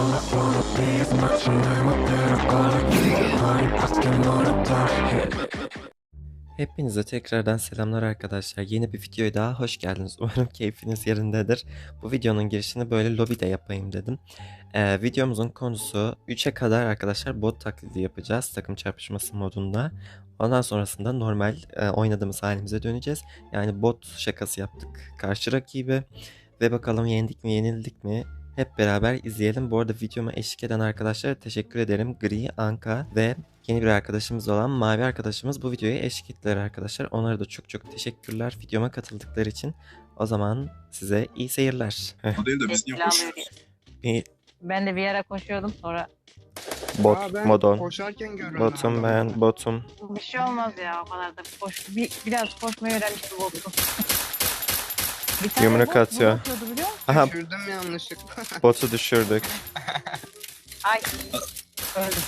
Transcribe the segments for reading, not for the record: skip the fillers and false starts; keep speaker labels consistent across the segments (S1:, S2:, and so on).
S1: Hepinize tekrardan selamlar arkadaşlar. Yeni bir videoya daha hoş geldiniz. Umarım keyfiniz yerindedir. Bu videonun girişini böyle lobide yapayım dedim. Videomuzun konusu 3'e kadar arkadaşlar bot taklidi yapacağız takım çarpışması modunda. Ondan sonrasında normal oynadığımız halimize döneceğiz. Yani bot şakası yaptık karşı rakibe. Ve bakalım yendik mi yenildik mi? Hep beraber izleyelim. Bu arada videoma eşlik eden arkadaşlara teşekkür ederim. Gri, Anka ve yeni bir arkadaşımız olan Mavi arkadaşımız bu videoya eşlik ettiler arkadaşlar. Onlara da çok teşekkürler videoma katıldıkları için. O zaman size iyi seyirler.
S2: O değil de biz niye koşuyoruz?
S1: Bir
S3: Ben de bir yere koşuyordum sonra.
S1: bot,
S4: ben
S1: modon.
S4: koşarken görüyorum.
S1: Botum ben, botum.
S3: Bir şey olmaz ya, o kadar da biraz koşmayı öğrenmiştim botu. Bir tane
S1: Yumruk
S3: bot
S1: atıyor.
S3: bunu atıyordu biliyor musun?
S1: Aha,
S4: Düşürdüm yanlışlıkla.
S1: botu düşürdük.
S3: Ay. Öldüm.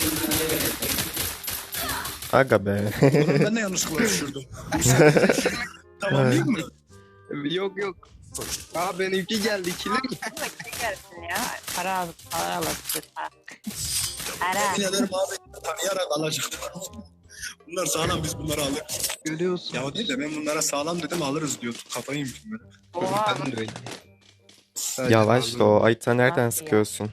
S1: Aga be.
S2: Ben de yanlışlıkla düşürdüm. Tamam değil mi?
S4: yok. Aa benimki geldi ikili.
S3: Ne gelsin ya? Para alırsın. Para.
S2: Yemin ederim abi tanıyarak alacaktım. Bunlar sağlam, biz bunları alırız.
S4: Görüyorsun.
S2: Ya o değil de ben bunlara sağlam dedim alırız diyor. Kafayı yemişim ben.
S3: Oha.
S4: Ben de öyle. Sadece
S1: Yavaş da
S4: aldım.
S1: o. Ayta nereden
S3: Nasıl ya?
S1: sıkıyorsun?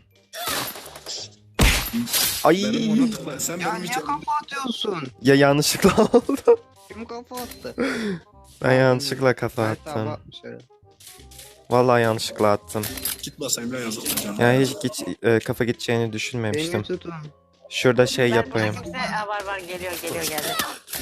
S1: Ay.
S2: Benim onu tıkla. Sen
S4: Ya
S2: benim
S4: niye
S2: için...
S4: kafa atıyorsun?
S1: Ya yanlışlıkla oldu.
S4: Kim kafa attı?
S1: Ben yanlışlıkla kafa
S4: Evet, abi
S1: attım.
S4: atmış herhalde.
S1: Vallahi yanlışlıkla attım.
S2: Git basayım ya yazık canım.
S1: Yani hiç kafa gideceğini
S4: Beni
S1: düşünmemiştim.
S4: tutun.
S1: Şurada şey
S3: Ben
S1: yapayım.
S3: kimse... Aa, var geliyor geldi.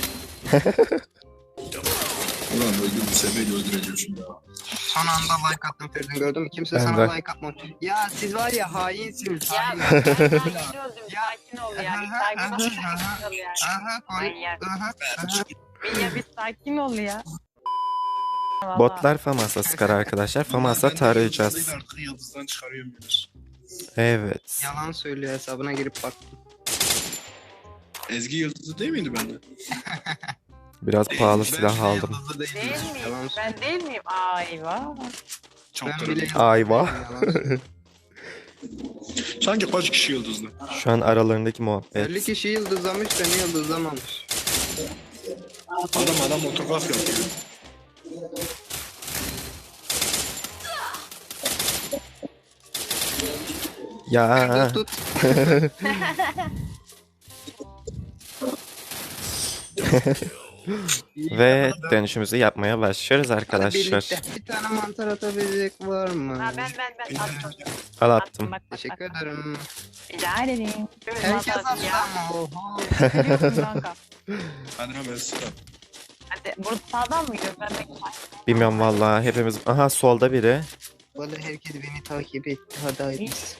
S2: Ulan öldüm bir sebeyle öldüreceğim şimdi ya.
S4: Son anda like attım Feridun, gördün mü? Kimse
S1: Ben
S4: sana
S1: de.
S4: like atmadı. Ya siz var ya hainsiniz.
S3: Ya
S4: hain.
S3: ben daha yeni öldüm. Sakin ol ya. Bir sakin ol ya.
S4: Aha,
S3: Manyak.
S4: aha.
S3: Bir sakin ol ya. Vallahi.
S1: Botlar FAMAS'a sıkar arkadaşlar. FAMAS'a
S2: Ben de
S1: tarayacağız.
S2: yıldızlıydı, artık yıldızdan çıkarıyorum Yunus.
S1: Evet.
S4: Yalan söylüyor, hesabına girip baktım.
S2: Ezgi yıldızı değil miydi bende?
S1: Biraz pahalı
S2: Ben
S1: silah
S2: bile
S1: aldım.
S4: Yıldızlı
S3: Değil
S4: değilim.
S3: miyim?
S4: Yalan
S3: Ben değil miyim? Ay vah.
S2: Çok
S4: Ben
S2: kırıldı.
S4: bile
S1: Ayva.
S4: yalan söylüyorum.
S2: Sanki kaç kişi yıldızlı?
S1: Şu an aralarındaki
S4: 50
S1: muhabbet.
S4: kişi yıldızlamış, beni yıldızlamamış.
S2: Adam otograf yapıyor.
S1: Ya.
S4: Tut.
S1: Ve dönüşümüzü yapmaya başlıyoruz
S4: Hadi
S1: arkadaşlar.
S4: birlikte. Bir tane mantar atabilecek var mı?
S3: Ha ben attım.
S1: Al attım.
S3: Bak,
S4: Teşekkür ederim.
S3: Rica ederim.
S4: Herkes attı
S3: ya.
S4: ama oha.
S3: Görüyorsun kanka.
S2: Hadi hemen sıra.
S3: Hadi burada sağdan mı gidiyoruz? Ben de
S1: Bilmiyorum vallahi hepimiz. Aha solda biri.
S4: Vallahi herkes beni takip etti. Hadi haydi.
S3: hiç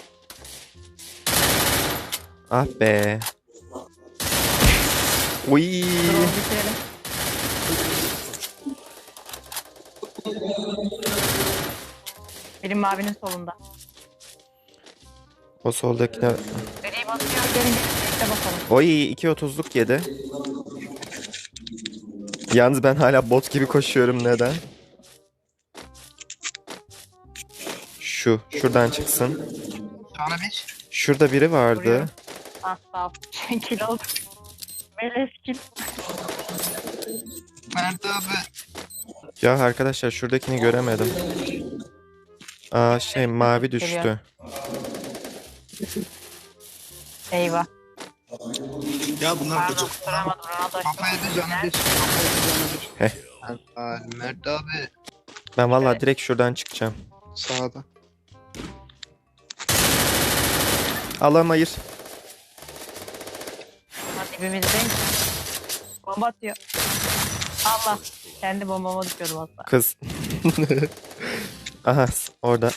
S1: Ah be. Uy.
S3: bitirelim. Benim mavinin solunda.
S1: O soldakine.
S3: Gri basıyor. Gelin birlikte bakalım.
S1: Oy 2.30'luk yedi. Yalnız ben hala bot gibi koşuyorum, neden? Şuradan çıksın.
S4: Sonra bir.
S1: Şurada biri vardı.
S3: Vuruyorum. Ah sağ ol. Kil oldu. Melez kil.
S4: Mert abi.
S1: Ya arkadaşlar şuradakini göremedim. Aa mavi düştü.
S3: Geliyor. Eyvah.
S2: Ya bunlar
S3: Pardon
S2: gıcık.
S3: duramadım. Ronaldo.
S4: Kafaya da canı düş. Kafaya da canı düş.
S1: Heh.
S4: Mert abi.
S1: Ben vallahi
S3: Evet.
S1: direkt şuradan çıkacağım.
S4: Sağda.
S1: Allah'ım hayır.
S3: Hadi dibimizdeyim. Bomba atıyor. Allah. Kendi bombama düşüyordum aslında.
S1: Kız. Aha orada.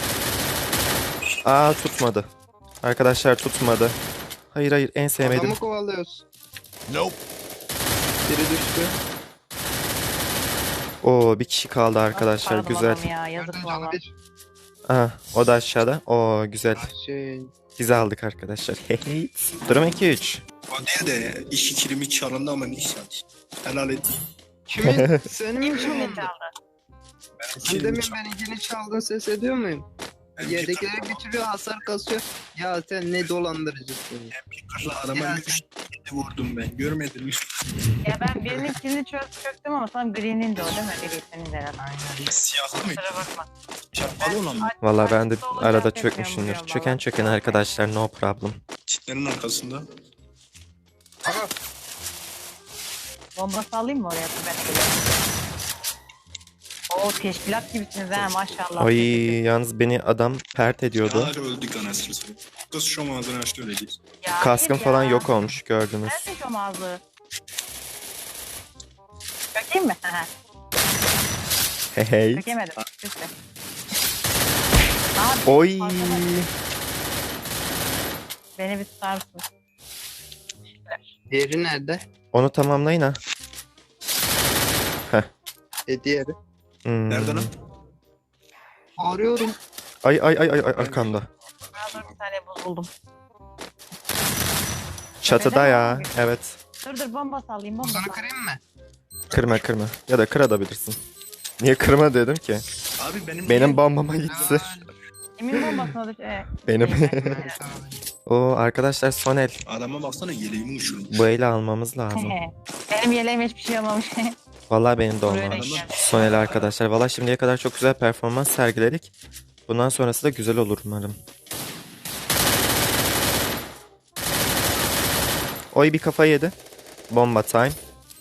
S1: Aa tutmadı. Arkadaşlar tutmadı. Hayır en sevmedim.
S4: Adamı kovalıyoruz.
S2: Nope.
S4: Biri düştü.
S1: Oo bir kişi kaldı arkadaşlar,
S3: Aradım
S1: güzel.
S3: adamı Ya, yazık
S4: Gördün
S3: valla.
S4: canı bir.
S1: Aha o da aşağıda. Oo güzel.
S4: Şey.
S1: Bizi aldık arkadaşlar. Hey. Durum 2-3.
S2: O değil de işi kilimi çalındı ama neyse. Helal et.
S4: Kimin? Senin mi
S3: Kim
S4: çalındı?
S3: çaldı?
S4: Sen demin benimkini çaldın, ses ediyor muyum? Yerdekileri bitiriyor, hasar kasıyor. Ya sen ne dolandırıcısın.
S2: MP40'la adama
S4: Ya
S2: 3 vurdum ben. Görmedin mi?
S3: Ya ben birinin kilini çöktüm ama tam Green'in de o değil mi? Green senin de herhalde.
S2: Siyahlı mı?
S3: Kusura bakma.
S2: Şapkalı olan mı?
S1: Valla ben de
S3: Açıkta olunca
S1: arada
S3: pek
S1: çökmüşümdür.
S3: memnunum
S1: Çöken
S3: valla.
S1: çöken arkadaşlar, no problem.
S2: Çitlerin arkasında.
S4: Aha,
S3: Bomba sallayayım mı oraya? Ben geliyorum. Oo teşkilat gibisiniz ha maşallah.
S1: Ay yalnız beni adam pert ediyordu.
S2: Yağlar öldük anasını satayım. Kız şu ağzını açtı öyle değil.
S3: Ya
S1: Kaskım
S3: hayır
S1: falan
S3: ya.
S1: yok olmuş, gördünüz.
S3: Nerede şu ağzı? Çökeyim mi?
S1: Hey.
S3: Çökemedim. İşte. Abi,
S1: Oy.
S3: beni bir tutar mısın?
S4: diğeri nerede?
S1: Onu tamamlayın ha.
S4: Diğeri.
S2: Nerede lan?
S4: Arıyorum.
S1: Ay arkamda.
S3: Ha, dur bir tane buz buldum.
S1: Çatıda ya. Evet.
S3: Dur bomba sallayayım bomba
S4: Sana
S3: sallayayım.
S4: kırayım mı?
S1: Kırma. Ya da kırabilirsin. Niye kırma dedim ki?
S2: Abi
S1: Benim bombama gitsin.
S3: Emin bombasına düş.
S1: Benim.
S4: Tamam.
S1: Oo arkadaşlar, son el.
S2: Adama baksana yeleğimi uçurmuş.
S1: Bu eli almamız lazım.
S3: Benim yeleğim hiçbir şey olmamış.
S1: Vallahi benim de
S3: Buraya
S1: olmamış.
S3: denk geldi.
S1: Son el arkadaşlar. Vallahi şimdiye kadar çok güzel performans sergiledik. Bundan sonrası da güzel olur umarım. Oy bir kafa yedi. Bomba time.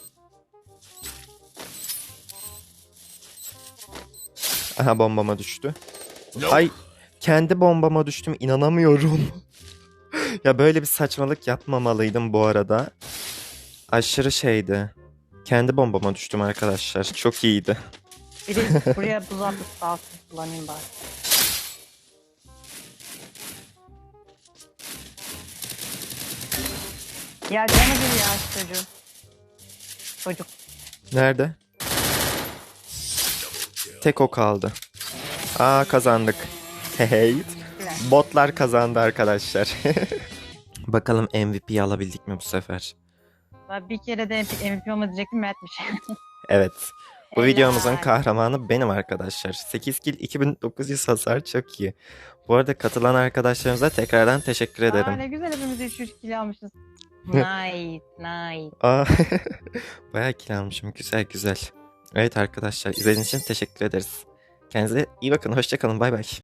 S1: Aha bombama düştü.
S2: Yok.
S1: Ay kendi bombama düştüm, inanamıyorum. Ya böyle bir saçmalık yapmamalıydım bu arada. Aşırı şeydi. Kendi bombama düştüm arkadaşlar. Çok iyiydi.
S3: Biri buraya buz atıp sağ olsun kullanayım bari. Ya canı bir ya şu çocuğun. Çocuk.
S1: Nerede? Tek o kaldı. Aa kazandık. Hey. Botlar kazandı arkadaşlar. Bakalım MVP'yi alabildik mi bu sefer?
S3: Ben bir kere de MVP olma diyecektim Mert'miş.
S1: Evet. Bu
S3: Helal.
S1: videomuzun kahramanı benim arkadaşlar. 8 kill 2900 hasar, çok iyi. Bu arada katılan arkadaşlarımıza tekrardan teşekkür
S3: Aa,
S1: ederim.
S3: ne güzel hepimiz 3 kilo almışız. Nice.
S1: Aa, bayağı kill almışım. Güzel. Evet arkadaşlar, izlediğiniz için teşekkür ederiz. Kendinize iyi bakın. Hoşça kalın. Bay bay.